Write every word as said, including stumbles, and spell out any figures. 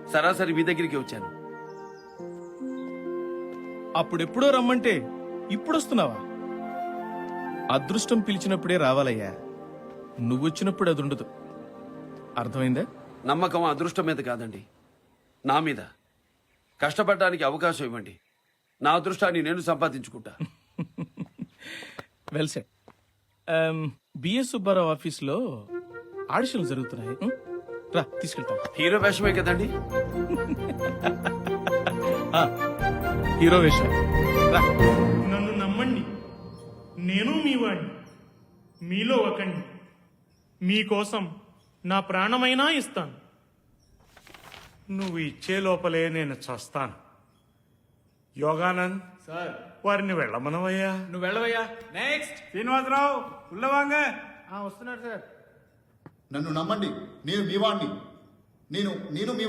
సరాసరి మీ దగ్గరికి వచ్చాను. అప్పుడెప్పుడో రమ్మంటే ఇప్పుడొస్తున్నావా? అదృష్టం పిలిచినప్పుడే రావాలయ్యా. నువ్వొచ్చినప్పుడు అది ఉండదు. అర్థమైందా? నమ్మకం అదృష్టం మీద కాదండి, నా మీద. కష్టపడడానికి అవకాశం ఇవ్వండి, నా అదృష్టాన్ని నేను సంపాదించుకుంటా. Well set. బిఎస్ సుబ్బారావు ఆఫీస్లో ఆడిషన్లు జరుగుతున్నాయి. ఉం? రా తీసుకెళ్తాను. హీరో వేషమే కదండి? ఆ, హీరో వేషం. రా. నన్ను నమ్మండి, నేను మీ వాడిని, మీలో ఒకండి. మీకోసం నా ప్రాణమైనా ఇస్తాను. నువ్వు ఇచ్చే లోపలే నేను చస్తాను. యోగానంద్ సార్ వారిని వెళ్ళమనవయ్యా. నువ్వు వెళ్ళవయ్యా. నెక్స్ట్ శ్రీనివాసరావు ఉల్లవాంగ వస్తున్నాడు సార్. నన్ను నమ్మండి, నేను మీ వాణ్ణి. నేను నేను మీ